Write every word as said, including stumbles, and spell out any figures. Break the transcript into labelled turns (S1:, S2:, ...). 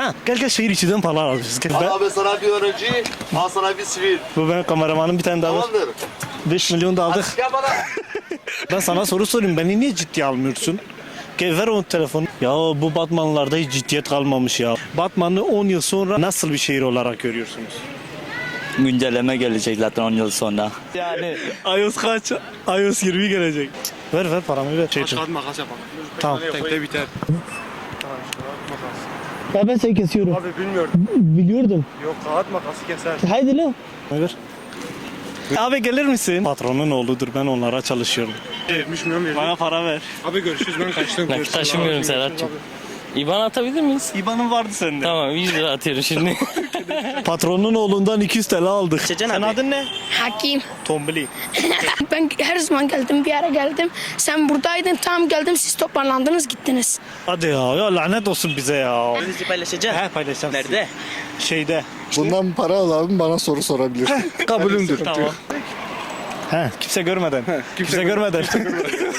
S1: Ha, gel gel şehir içinden falan alacağız. Gel. Ben,
S2: Al abi sana bir öğrenci, al sana bir sivil.
S1: bu benim kameramanım, bir tane daha var.
S2: Tamamdır.
S1: beş milyon da aldık.
S2: Gel bana.
S1: Ben sana soru sorayım. Beni niye ciddiye almıyorsun? Gel ver o telefonu. Ya bu Batmanlılarda hiç ciddiyet kalmamış ya. Batman'ı on yıl sonra nasıl bir şehir olarak görüyorsunuz?
S3: Güncelleme gelecek zaten on yıl sonra.
S1: Yani iOS kaç? iOS yirmi gelecek. Ver ver paramı ver. Şey için.
S4: Kağıt makas yapalım.
S1: Tamam.
S4: Tekte biter.
S5: Ya ben seni kesiyorum.
S4: Abi bilmiyorum.
S5: Biliyordum.
S4: Yok kağıt makası keser.
S5: Haydi lan.
S1: Ver. Abi gelir misin? Patronun oğludur, ben onlara çalışıyorum.
S4: Vermiş milyon vermiş.
S1: Bana para ver.
S4: Abi görüşürüz ben kaçtım.
S6: Nakit
S4: Görüşürüz.
S6: taşımıyorum
S4: Abi,
S6: Serhat'cığım.
S4: görüşürüz
S6: İban atabilir miyiz?
S1: İban'ın vardı sende.
S6: Tamam yüz lira atıyorum şimdi.
S1: Patronun oğlundan iki yüz T L aldık. Sen adın ne?
S7: Hakim.
S1: Tombili.
S7: Ben her zaman geldim, bir ara geldim. Sen buradaydın, tam geldim, siz toparlandınız, gittiniz.
S1: Hadi ya, ya lanet olsun bize ya.
S3: Bizi paylaşacağız.
S1: He paylaşacağım.
S3: Nerede?
S1: Şeyde.
S2: Bundan para al abi, bana soru sorabilir.
S4: Kabulümdür.
S1: Tamam. He, kimse görmeden. kimse görmeden.